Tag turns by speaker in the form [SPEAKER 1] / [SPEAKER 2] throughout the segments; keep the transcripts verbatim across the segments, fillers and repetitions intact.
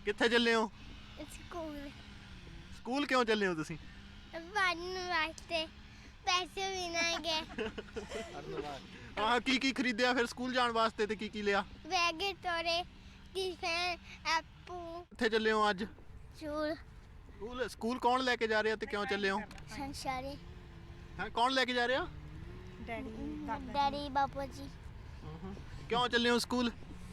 [SPEAKER 1] ਕਿੱਥੇ ਚੱਲੇ ਹੋ?
[SPEAKER 2] ਸਕੂਲ
[SPEAKER 1] ਸਕੂਲ ਕਿਉਂ ਚੱਲੇ ਹੋ ਤੁਸੀਂ?
[SPEAKER 2] ਪੜ੍ਹਨ ਵਾਸਤੇ ਪੈਸੇ ਵੀ ਨਾ ਗਏ
[SPEAKER 1] ਆਹ ਕੀ ਕੀ ਖਰੀਦਿਆ ਫਿਰ ਸਕੂਲ ਜਾਣ ਵਾਸਤੇ ਤੇ ਕੀ ਕੀ ਲਿਆ?
[SPEAKER 2] ਬੈਗ ਤੋਰੇ ਟਿਫਨ ਐਪੂ
[SPEAKER 1] ਕਿੱਥੇ ਚੱਲੇ ਹੋ ਅੱਜ?
[SPEAKER 2] ਚੂਲ
[SPEAKER 1] ਸਕੂਲ ਸਕੂਲ ਕੌਣ ਲੈ ਕੇ ਜਾ ਰਿਹਾ ਤੇ ਕਿਉਂ ਚੱਲੇ ਹੋ?
[SPEAKER 2] ਸੰਸ਼ਾਰੇ
[SPEAKER 1] ਹਾਂ ਕੌਣ ਲੈ ਕੇ ਜਾ ਰਿਹਾ?
[SPEAKER 2] ਡੈਡੀ ਬਾਪੂ ਜੀ
[SPEAKER 1] ਕਿਉਂ ਚੱਲੇ ਹੋ ਸਕੂਲ?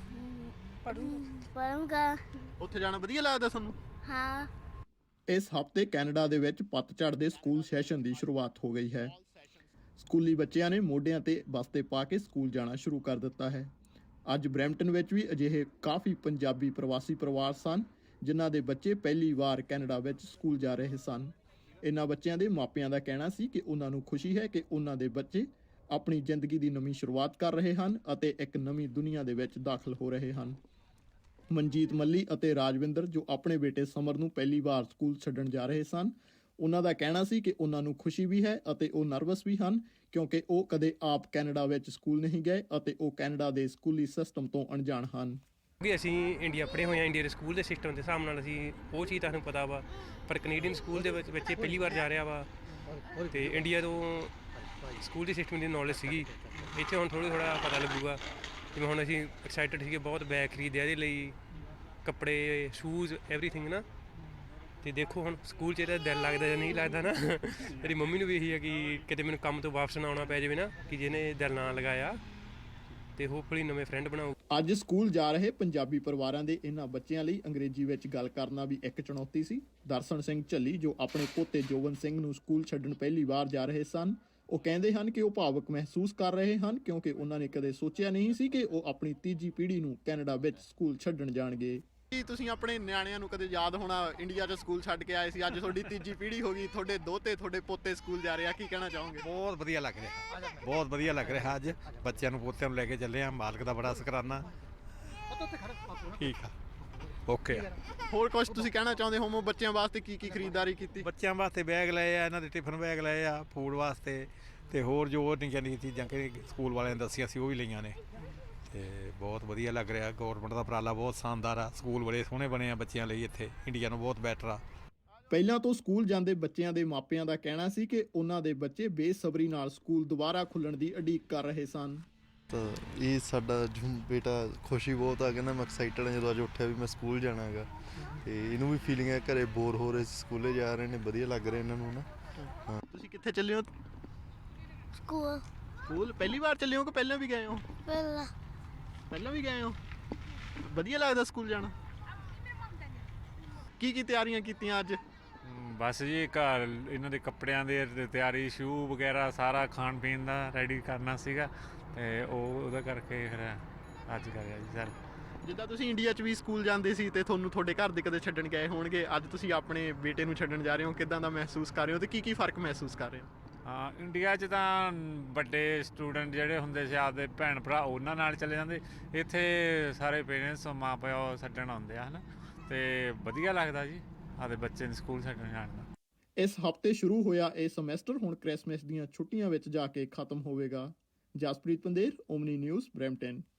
[SPEAKER 2] ਪੜੂੰਗਾ
[SPEAKER 1] ਉੱਥੇ ਜਾਣਾ ਵਧੀਆ ਲੱਗਦਾ ਤੁਹਾਨੂੰ?
[SPEAKER 2] ਹਾਂ
[SPEAKER 3] ਇਸ ਹਫ਼ਤੇ ਕੈਨੇਡਾ ਦੇ ਵਿੱਚ ਪਤਝੜ ਦੇ ਸਕੂਲ ਸੈਸ਼ਨ ਦੀ ਸ਼ੁਰੂਆਤ ਹੋ ਗਈ ਹੈ। ਸਕੂਲੀ ਬੱਚਿਆਂ ਨੇ ਮੋਢਿਆਂ ਤੇ ਬਸਤੇ ਪਾ ਕੇ ਸਕੂਲ ਜਾਣਾ ਸ਼ੁਰੂ ਕਰ ਦਿੱਤਾ ਹੈ। ਅੱਜ ਬਰੈਂਪਟਨ ਵਿੱਚ ਵੀ ਅਜਿਹੇ ਕਾਫੀ ਪੰਜਾਬੀ ਪ੍ਰਵਾਸੀ ਪਰਿਵਾਰ ਸਨ ਜਿਨ੍ਹਾਂ ਦੇ ਬੱਚੇ ਪਹਿਲੀ ਵਾਰ ਕੈਨੇਡਾ ਵਿੱਚ ਸਕੂਲ ਜਾ ਰਹੇ ਸਨ। ਇਹਨਾਂ ਬੱਚਿਆਂ ਦੇ ਮਾਪਿਆਂ ਦਾ ਕਹਿਣਾ ਸੀ ਕਿ ਉਹਨਾਂ ਨੂੰ ਖੁਸ਼ੀ ਹੈ ਕਿ ਉਹਨਾਂ ਦੇ ਬੱਚੇ ਆਪਣੀ ਜ਼ਿੰਦਗੀ ਦੀ ਨਵੀਂ ਸ਼ੁਰੂਆਤ ਕਰ ਰਹੇ ਹਨ ਅਤੇ ਇੱਕ ਨਵੀਂ ਦੁਨੀਆ ਦੇ ਵਿੱਚ ਦਾਖਲ ਹੋ ਰਹੇ ਹਨ। ਮਨਜੀਤ ਮੱਲੀ ਅਤੇ ਰਾਜਵਿੰਦਰ ਜੋ ਆਪਣੇ ਬੇਟੇ ਸਮਰ ਨੂੰ ਪਹਿਲੀ ਵਾਰ ਸਕੂਲ ਛੱਡਣ ਜਾ ਰਹੇ ਸਨ, ਉਹਨਾਂ ਦਾ ਕਹਿਣਾ ਸੀ ਕਿ ਉਹਨਾਂ ਨੂੰ ਖੁਸ਼ੀ ਵੀ ਹੈ ਅਤੇ ਉਹ ਨਰਵਸ ਵੀ ਹਨ ਕਿਉਂਕਿ ਉਹ ਕਦੇ ਆਪ ਕੈਨੇਡਾ ਵਿੱਚ ਸਕੂਲ ਨਹੀਂ ਗਏ ਅਤੇ ਉਹ ਕੈਨੇਡਾ ਦੇ ਸਕੂਲੀ ਸਿਸਟਮ ਤੋਂ ਅਣਜਾਣ ਹਨ।
[SPEAKER 4] ਕਿ ਅਸੀਂ ਇੰਡੀਆ ਪੜ੍ਹੇ ਹੋਏ ਹਾਂ, ਇੰਡੀਆ ਦੇ ਸਕੂਲ ਦੇ ਸਿਸਟਮ ਦੇ ਹਿਸਾਬ ਨਾਲ ਅਸੀਂ ਉਹ ਚੀਜ਼ ਤੁਹਾਨੂੰ ਪਤਾ ਵਾ, ਪਰ ਕੈਨੇਡੀਅਨ ਸਕੂਲ ਦੇ ਵਿੱਚ ਬੱਚੇ ਪਹਿਲੀ ਵਾਰ ਜਾ ਰਿਹਾ ਵਾ ਅਤੇ ਇੰਡੀਆ ਤੋਂ ਸਕੂਲ ਦੀ ਸਿਸਟਮ ਦੀ ਨੌਲੇਜ ਸੀਗੀ, ਇੱਥੇ ਹੁਣ ਥੋੜ੍ਹਾ ਥੋੜ੍ਹਾ ਪਤਾ ਲੱਗੂਗਾ। ਜਿਵੇਂ ਹੁਣ ਅਸੀਂ ਐਕਸਾਈਟਡ ਸੀਗੇ, ਬਹੁਤ ਬੈਗ ਖਰੀਦਿਆ ਇਹਦੇ ਲਈ, ਕੱਪੜੇ, ਸ਼ੂਜ਼, ਐਵਰੀਥਿੰਗ ਨਾ। ਅਤੇ ਦੇਖੋ ਹੁਣ ਸਕੂਲ 'ਚ ਇਹਦਾ ਦਿਲ ਲੱਗਦਾ ਜਾਂ ਨਹੀਂ ਲੱਗਦਾ ਨਾ। ਮੇਰੀ ਮੰਮੀ ਨੂੰ ਵੀ ਇਹੀ ਹੈ ਕਿ ਕਿਤੇ ਮੈਨੂੰ ਕੰਮ ਤੋਂ ਵਾਪਸ ਨਾ ਆਉਣਾ ਪੈ ਜਾਵੇ ਨਾ, ਕਿ ਜਿਹਨੇ ਦਿਲ ਨਾ ਲਗਾਇਆ, ਅਤੇ ਹੋਪਫੁਲੀ ਨਵੇਂ ਫਰੈਂਡ ਬਣਾਓ।
[SPEAKER 3] ਅੱਜ ਸਕੂਲ ਜਾ ਰਹੇ ਪੰਜਾਬੀ ਪਰਿਵਾਰਾਂ ਦੇ ਇਹਨਾਂ ਬੱਚਿਆਂ ਲਈ ਅੰਗਰੇਜ਼ੀ ਵਿੱਚ ਗੱਲ ਕਰਨਾ ਵੀ ਇੱਕ ਚੁਣੌਤੀ ਸੀ। ਦਰਸ਼ਨ ਸਿੰਘ ਝੱਲੀ ਜੋ ਆਪਣੇ ਪੋਤੇ ਜੋਬਨ ਸਿੰਘ ਨੂੰ ਸਕੂਲ ਛੱਡਣ ਪਹਿਲੀ ਵਾਰ ਜਾ ਰਹੇ ਸਨ, ਉਹ ਕਹਿੰਦੇ ਹਨ ਕਿ ਉਹ ਭਾਵੁਕ ਮਹਿਸੂਸ ਕਰ ਰਹੇ ਹਨ ਕਿਉਂਕਿ ਉਹਨਾਂ ਨੇ ਕਦੇ ਸੋਚਿਆ ਨਹੀਂ ਸੀ ਕਿ ਉਹ ਆਪਣੀ ਤੀਜੀ ਪੀੜ੍ਹੀ ਨੂੰ ਕੈਨੇਡਾ ਵਿੱਚ ਸਕੂਲ ਛੱਡਣ ਜਾਣਗੇ।
[SPEAKER 1] ਕੀ ਤੁਸੀਂ ਆਪਣੇ ਨਿਆਣਿਆਂ ਨੂੰ ਕਦੇ ਯਾਦ ਹੋਣਾ ਇੰਡੀਆ 'ਚ ਸਕੂਲ ਛੱਡ ਕੇ ਆਏ ਸੀ, ਅੱਜ ਤੁਹਾਡੀ ਤੀਜੀ ਪੀੜ੍ਹੀ ਹੋ ਗਈ, ਤੁਹਾਡੇ ਦੋਤੇ ਤੁਹਾਡੇ ਪੋਤੇ ਸਕੂਲ ਜਾ ਰਹੇ ਆ, ਕੀ ਕਹਿਣਾ ਚਾਹੋਗੇ?
[SPEAKER 5] ਬਹੁਤ ਵਧੀਆ ਲੱਗ ਰਿਹਾ, ਬਹੁਤ ਵਧੀਆ ਲੱਗ ਰਿਹਾ। ਅੱਜ ਬੱਚਿਆਂ ਨੂੰ ਪੋਤਿਆਂ ਨੂੰ ਲੈ ਕੇ ਚੱਲੇ ਆ, ਮਾਲਕ ਦਾ ਬੜਾ ਸ਼ੁਕਰਾਨਾ। ਠੀਕ ਆ, ਓਕੇ ਆ।
[SPEAKER 1] ਹੋਰ ਕੁਝ ਤੁਸੀਂ ਕਹਿਣਾ ਚਾਹੁੰਦੇ ਹੋ? ਬੱਚਿਆਂ ਵਾਸਤੇ ਕੀ ਕੀ ਖਰੀਦਦਾਰੀ ਕੀਤੀ?
[SPEAKER 5] ਬੱਚਿਆਂ ਵਾਸਤੇ ਬੈਗ ਲਏ ਆ, ਇਹਨਾਂ ਦੇ ਟਿਫਨ ਬੈਗ ਲਏ ਆ, ਫੂਡ ਵਾਸਤੇ, ਅਤੇ ਹੋਰ ਜੋ ਨਿੱਕੀਆਂ ਨਿੱਕੀਆਂ ਚੀਜ਼ਾਂ ਕਿ ਸਕੂਲ ਵਾਲਿਆਂ ਨੇ ਦੱਸੀਆਂ ਸੀ ਉਹ ਵੀ ਲਈਆਂ ਨੇ, ਅਤੇ ਬਹੁਤ ਵਧੀਆ ਲੱਗ ਰਿਹਾ। ਗੌਰਮੈਂਟ ਦਾ ਉਪਰਾਲਾ ਬਹੁਤ ਸ਼ਾਨਦਾਰ ਆ, ਸਕੂਲ ਬੜੇ ਸੋਹਣੇ ਬਣੇ ਆ ਬੱਚਿਆਂ ਲਈ, ਇੱਥੇ ਇੰਡੀਆ ਨੂੰ ਬਹੁਤ ਬੈਟਰ ਆ।
[SPEAKER 3] ਪਹਿਲਾਂ ਤੋਂ ਸਕੂਲ ਜਾਂਦੇ ਬੱਚਿਆਂ ਦੇ ਮਾਪਿਆਂ ਦਾ ਕਹਿਣਾ ਸੀ ਕਿ ਉਹਨਾਂ ਦੇ ਬੱਚੇ ਬੇਸਬਰੀ ਨਾਲ ਸਕੂਲ ਦੁਬਾਰਾ ਖੁੱਲ੍ਹਣ ਦੀ ਉਡੀਕ ਕਰ ਰਹੇ ਸਨ।
[SPEAKER 6] ਤਾਂ ਇਹ ਸਾਡਾ ਜੋ ਬੇਟਾ ਖੁਸ਼ੀ ਬਹੁਤ ਆ, ਕਹਿੰਦਾ ਮੈਂ ਐਕਸਾਈਟਡ ਹਾਂ ਜਦੋਂ ਅੱਜ ਉੱਠਿਆ ਵੀ ਮੈਂ ਸਕੂਲ ਜਾਣਾ ਹੈਗਾ, ਅਤੇ ਇਹਨੂੰ ਵੀ ਫੀਲਿੰਗ ਹੈ ਘਰੇ ਬੋਰ ਹੋ ਰਹੇ ਸੀ, ਸਕੂਲੇ ਜਾ ਰਹੇ ਨੇ, ਵਧੀਆ ਲੱਗ ਰਿਹਾ ਇਹਨਾਂ ਨੂੰ ਨਾ। ਹਾਂ
[SPEAKER 1] ਤੁਸੀਂ ਕਿੱਥੇ ਚੱਲੇ ਹੋ?
[SPEAKER 2] ਸਕੂਲ
[SPEAKER 1] ਸਕੂਲ ਪਹਿਲੀ ਵਾਰ ਚੱਲੇ ਹੋ ਕਿ ਪਹਿਲਾਂ ਵੀ ਗਏ ਹੋ?
[SPEAKER 2] ਪਹਿਲਾਂ
[SPEAKER 1] ਪਹਿਲਾਂ ਵੀ ਗਏ ਹੋ? ਵਧੀਆ ਲੱਗਦਾ ਸਕੂਲ ਜਾਣਾ? ਕੀ ਕੀ ਤਿਆਰੀਆਂ ਕੀਤੀਆਂ ਅੱਜ?
[SPEAKER 7] ਬਸ ਜੀ ਘਰ ਇਹਨਾਂ ਦੇ ਕੱਪੜਿਆਂ ਦੀ ਤਿਆਰੀ, ਸ਼ੂ ਵਗੈਰਾ ਸਾਰਾ ਖਾਣ ਪੀਣ ਦਾ ਰੈਡੀ ਕਰਨਾ ਸੀਗਾ, ਅਤੇ ਉਹ ਉਹਦਾ ਕਰਕੇ ਫਿਰ ਅੱਜ ਕਰਿਆ ਜੀ ਸਰ।
[SPEAKER 1] ਜਿੱਦਾਂ ਤੁਸੀਂ ਇੰਡੀਆ 'ਚ ਵੀ ਸਕੂਲ ਜਾਂਦੇ ਸੀ ਅਤੇ ਤੁਹਾਨੂੰ ਤੁਹਾਡੇ ਘਰ ਦੇ ਕਦੇ ਛੱਡਣ ਗਏ ਹੋਣਗੇ, ਅੱਜ ਤੁਸੀਂ ਆਪਣੇ ਬੇਟੇ ਨੂੰ ਛੱਡਣ ਜਾ ਰਹੇ ਹੋ, ਕਿੱਦਾਂ ਦਾ ਮਹਿਸੂਸ ਕਰ ਰਹੇ ਹੋ ਅਤੇ ਕੀ ਕੀ ਫ਼ਰਕ ਮਹਿਸੂਸ ਕਰ ਰਹੇ ਹੋ?
[SPEAKER 7] ਹਾਂ, ਇੰਡੀਆ 'ਚ ਤਾਂ ਵੱਡੇ ਸਟੂਡੈਂਟ ਜਿਹੜੇ ਹੁੰਦੇ ਸੀ ਆਪਦੇ ਭੈਣ ਭਰਾ ਉਹਨਾਂ ਨਾਲ ਚਲੇ ਜਾਂਦੇ, ਇੱਥੇ ਸਾਰੇ ਪੇਰੈਂਟਸ ਮਾਂ ਪਿਓ ਛੱਡਣ ਆਉਂਦੇ ਆ ਹੈ ਨਾ, ਅਤੇ ਵਧੀਆ ਲੱਗਦਾ ਜੀ ਆਪਦੇ ਬੱਚੇ ਨੂੰ ਸਕੂਲ ਛੱਡਣ ਜਾਣ ਦਾ।
[SPEAKER 3] ਇਸ ਹਫ਼ਤੇ ਸ਼ੁਰੂ ਹੋਇਆ ਇਹ ਸਮੈਸਟਰ ਹੁਣ ਕ੍ਰਿਸਮਸ ਦੀਆਂ ਛੁੱਟੀਆਂ ਵਿੱਚ ਜਾ ਕੇ ਖਤਮ ਹੋਵੇਗਾ। Jaspreet Pander, Omni News, Brampton.